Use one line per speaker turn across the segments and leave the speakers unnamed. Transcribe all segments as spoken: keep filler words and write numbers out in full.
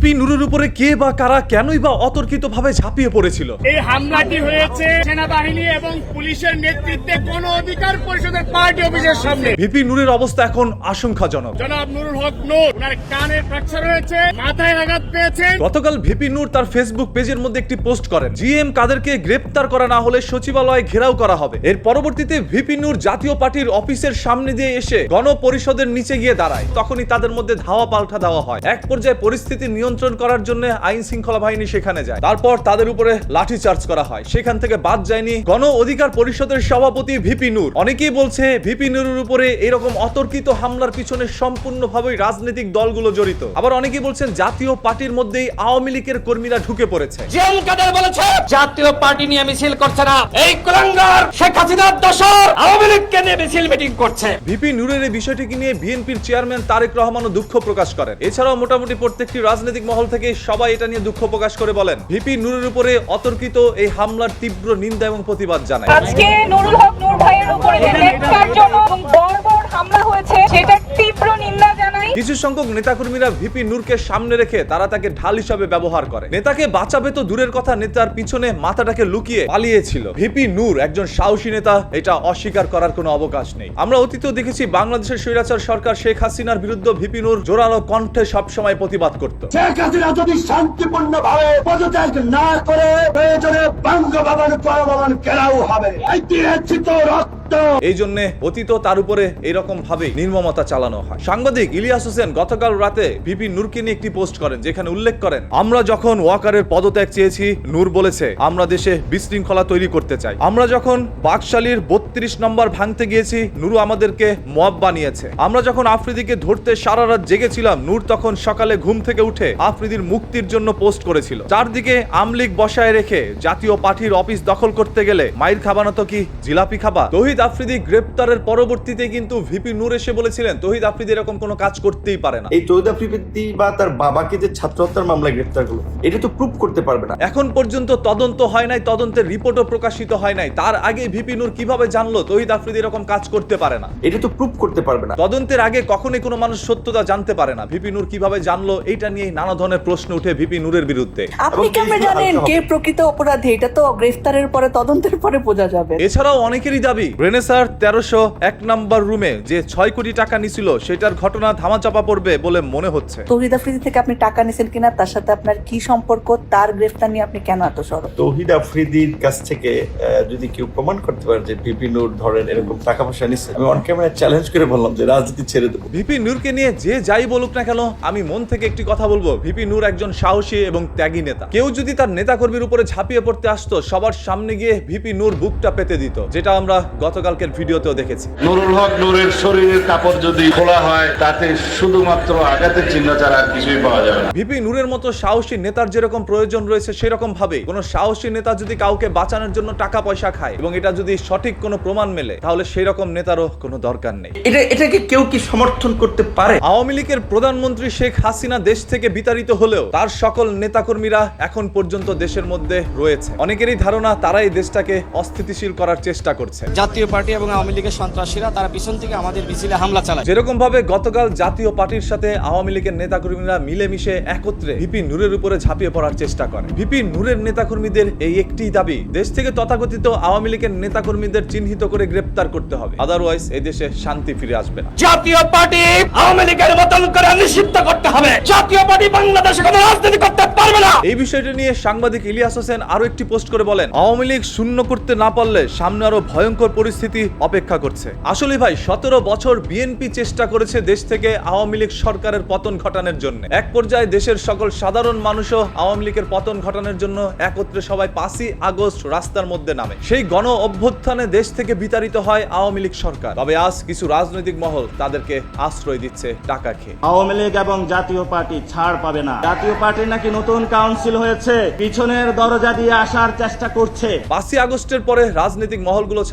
VP নুরের উপরে কে বা কারা কেনই বা অতর্কিতভাবে ঝাঁপিয়ে পড়েছিল?
এই হামলাটি হয়েছে সেনাবাহিনী এবং পুলিশের নেতৃত্বে গণ অধিকার পরিষদের পার্টি অফিসের সামনে।
ভিপি নুরের অবস্থা এখন আশঙ্কাজনক।
জনাব নুরুল হক নূর, ওনার কানে ফ্র্যাকচার হয়েছে, মাথায় আঘাত পেয়েছেন।
গতকাল ভিপি নূর তার ফেসবুক পেজের মধ্যে একটি পোস্ট করেন, জিএম কাদেরকে গ্রেপ্তার করা না হলে সচিবালয় ঘেরাও করা হবে। এর পরবর্তীতে ভিপি নূর জাতীয় পার্টির অফিসের সামনে দিয়ে এসে গণপরিষদের নিচে গিয়ে দাঁড়ায়। তখনই তাদের মধ্যে ধাওয়া পাল্টা দেওয়া হয়। এক পর্যায়ে পরিস্থিতি নিয়ন্ত্রণ করার জন্য আইন শৃঙ্খলা বাহিনী সেখানে যায়। তারপর তাদের উপরে লাঠি চার্জ করা হয়। সেখান থেকে বাদ যায়নি গণ অধিকার পরিষদের সভাপতি ভিপি নূর। অনেকেই বলছে ভিপি নূরের উপরে এরকম অতর্কিত হামলার পিছনে সম্পূর্ণভাবে রাজনৈতিক দলগুলো জড়িত। আবার অনেকেই বলছেন জাতীয় পার্টির মধ্যেই আওয়ামী লীগের কর্মীরা ঢুকে পড়েছে।
জিএম কাদের বলেছে জাতীয় পার্টি নিয়ে মিছিল করছে না, এই কুলাঙ্গার শেখ হাসিনার দোসর আওয়ামী লীগকে নিয়ে মিছিল মিটিং করছে।
ভিপি নূরের এই বিষয়টিকে নিয়ে বিএনপির চেয়ারম্যান তারেক রহমানও দুঃখ প্রকাশ করেন। এছাড়াও মোটামুটি প্রত্যেকটি রাজনৈতিক মহল থেকে সবাই এটা নিয়ে দুঃখ প্রকাশ করে বলেন ভিপি নূরের উপরে অতর্কিত এই হামলার তীব্র নিন্দা এবং প্রতিবাদ জানায়।
আজকে নুরুল হক নূর ভাইয়ের উপরে যে নেটকারজনক এবং বর্বর হামলা হয়েছে সেটার তীব্র নিন্দা জানাই।
কিছু সংখ্যক নেতাকর্মীরা ভিপি নূরকে সামনে রেখে তারা তাকে ঢাল হিসাবে ব্যবহার করে। নেতাকে বাঁচাবে তো দূরের কথা, নেতার পিছনে মাথাটাকে লুকিয়ে পালিয়েছিল। ভিপি নূর একজন সাহসী নেতা, এটা অস্বীকার করার কোনো অবকাশ নেই। আমরা অতীতেও দেখেছি বাংলাদেশের স্বৈরাচার সরকার শেখ হাসিনার বিরুদ্ধে ভিপি নূর জোরালো কণ্ঠে সবসময় প্রতিবাদ করত।
শেখ হাসিনা যদি শান্তিপূর্ণভাবে পদত্যাগ না করে প্রয়োজনে বঙ্গভবন পরভবন ঘেরাও হবে। ঐতিহাসিক রক্ত
এই জন্য অতীত তার উপরে এইরকম ভাবে নির্মমতা চালানো হয়। সাংবাদিক ইলিয়াস হোসেন গতকাল রাতে ভিপি নূরকে নিয়ে একটি পোস্ট করেন, যেখানে উল্লেখ করেন আমরা যখন ওয়াকারের পদত্যাগ চেয়েছি, নূর বলেছে আমরা দেশে বিশৃঙ্খলা তৈরি করতে চাই। আমরা যখন বাকশালীর বত্রিশ নম্বর ভাঙতে গিয়েছি, নূর আমাদেরকে মব বানিয়েছে। আমরা যখন আফ্রিদিকে ধরতে সারা রাত জেগেছিলাম, নূর তখন সকালে ঘুম থেকে উঠে আফ্রিদির মুক্তির জন্য পোস্ট করেছিল। চারদিকে আমলিগ বসায় রেখে জাতীয় পার্টির অফিস দখল করতে গেলে মাইর খাবানো তো কি জিলাপি খাবা? তৌহিদ আফ্রিদি গ্রেপ্তারের পরবর্তীতে কিন্তু ভিপি নূর এসে বলেছিলেন তৌহিদ আফ্রিদি এরকম কোনো কাজ করতেই পারে না।
এই তৌহিদ আফ্রিদি বা তার বাবাকে যে ছাত্র হত্যার মামলায় গ্রেপ্তার করলো, এটা তো প্রুফ করতে পারবে না।
এখন পর্যন্ত তদন্ত হয় নাই, তদন্তের রিপোর্টও প্রকাশিত হয় নাই। তার আগে ভিপি নূর কিভাবে জানলো তৌহিদ আফ্রিদি এরকম কাজ করতে পারে না?
এটা তো প্রুফ করতে পারবে না।
তদন্তের আগে কখনোই কোনো মানুষ সত্যতা জানতে পারে না। ভিপি নূর কিভাবে জানলো, এইটা নিয়ে নানা ধরনের প্রশ্ন উঠে ভিপি নূরের বিরুদ্ধে।
আপনি কেমনে জানেন কে প্রকৃত অপরাধী? এটা তো গ্রেফতারের পরে তদন্তের পরে বোঝা যাবে।
এছাড়াও অনেকেরই দাবি রেনেসার তেরোশো এক নম্বর রুমে যে ছয় কোটি টাকা নিছিল সেটার ঘটনা ধামাচাপা পড়বে বলে মনে হচ্ছে।
তৌহিদ আফ্রিদি থেকে আপনি টাকা নিছেন কিনা, তার সাথে আপনার কি সম্পর্ক, তার গ্রেফতার নিয়ে আপনি কেন এত সরব?
তৌহিদ আফ্রিদির কাছ থেকে যদি কেউ প্রমাণ করতে পারে যে ভিপি নূর ধরেন এরকম টাকা পয়সা নিচ্ছে, আমি অন ক্যামেরায় চ্যালেঞ্জ করে বললাম যে রাজনীতি ছেড়ে দেবো।
ভিপি নূরকে নিয়ে যে যাই বলুক না কেন, আমি মন থেকে একটি কথা বলবো, ভিপি নূর একজন সাহসী এবং ত্যাগী নেতা। কেউ যদি তার নেতাকর্মীর উপরে ঝাঁপিয়ে পড়তে আসতো, সবার সামনে গিয়ে ভিপি নূর বুকটা পেতে দিত, যেটা আমরা গতকালকের ভিডিওতেও দেখেছি।
নুরুল হক নূরের শরীরের কাপড় যদি খোলা হয়, তাতে শুধুমাত্র আঘাতের চিহ্ন ছাড়া আর কিছুই পাওয়া যাবে না।
ভিপি নূরের মতো সাহসী নেতার যেরকম প্রয়োজন রয়েছে, সেরকম ভাবে কোন সাহসী নেতা যদি কাউকে বাঁচানোর জন্য টাকা পয়সা খায় এবং এটা যদি সঠিক কোনো প্রমাণ মেলে, তাহলে সেই রকম নেতারও কোনো দরকার নেই।
এটা এটাকে কেউ কি সমর্থন করতে পারে?
আওয়ামী লীগের প্রধানমন্ত্রী শেখ হাসিনা দেশ থেকে বিতাড়িত হলেও তার সকল নেতাকর্মীরা এখন পর্যন্ত দেশের মধ্যে রয়েছে। অনেকেরই ধারণা তারা এই দেশটাকে অস্থিতিশীল করার চেষ্টা করছে।
জাতীয় পার্টি এবং আওয়ামী লীগের সন্ত্রাসীরা তারা পিছন থেকে আমাদের মিছিলে হামলা চালায়।
যেরকম ভাবে গতকাল জাতীয় পার্টির সাথে আওয়ামী লীগের নেতাকর্মীরা মিলেমিশে একত্রে ভিপি নূরের উপরে ঝাঁপিয়ে পড়ার চেষ্টা করে। ভিপি নূরের নেতাকর্মীদের এই একটি দাবি, দেশ থেকে তথাকথিত আওয়ামী লীগের নেতাকর্মীদের চিহ্নিত করে গ্রেপ্তার করতে হবে, আদারওয়াইজ এই দেশে শান্তি ফিরে আসবে না।
জাতীয় পার্টি আওয়ামী লীগের মতন করে নিষিদ্ধ করতে হবে। জাতীয় পার্টি বাংলাদেশে কোনো রাজনীতি করতে পারবে না।
এই বিষয়টি নিয়ে সাংবাদিক ইলিয়াস হোসেন আরো একটি পোস্ট করে বলেন আওয়ামী লীগ শূন্য করতে না পারলে সামনে আরো ভয়ঙ্কর পরিস্থিতি অপেক্ষা করছে। আসলে ভাই, সতেরো বছর বিএনপি চেষ্টা করেছে দেশ থেকে আওয়ামী লীগ সরকারের পতন ঘটানোর জন্য। এক পর্যায়ে দেশের সকল সাধারণ মানুষও আওয়ামী লীগের পতন ঘটানোর জন্য একত্রে সবাই পাঁচই আগস্ট রাস্তার মধ্যে নামে। সেই গণ অভ্যুত্থানে দেশ থেকে বিতাড়িত হয় আওয়ামী লীগ সরকার। তবে আজ কিছু রাজনৈতিক মহল তাদেরকে আশ্রয় দিচ্ছে টাকা খেয়ে।
আওয়ামী লীগ এবং জাতীয় পার্টি ছাড় পাবে না। জাতীয় পার্টির নাকি নতুন কাউন্সিল হয়েছে, পিছনের দরজা দিয়ে আসার চেষ্টা করছে।
পাঁচই আগস্টের পরে রাজনৈতিক মহলগুলো ছাড়া আর কেউ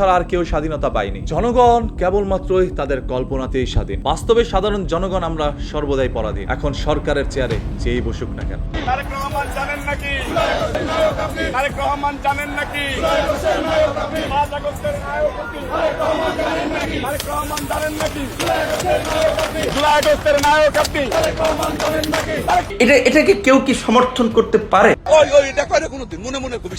স্বাধীনতা পাইনি। জনগণ কেবলমাত্রই তাদের কল্পনাতেই স্বাধীন, বাস্তবে সাধারণ জনগণ আমরা সর্বদাই পরাধীন। এখন সরকারের চেয়ারে যেই বসুক না কেন।
তারেক রহমান জানেন নাকি তারেক রহমান জানেন নাকি পাঁচ আগস্টের নায়ক আপনি। তারেক রহমান জানেন নাকি জুলাই আগস্টের নায়ক আপনি।
এটা এটাকে কেউ কি সমর্থন করতে পারে?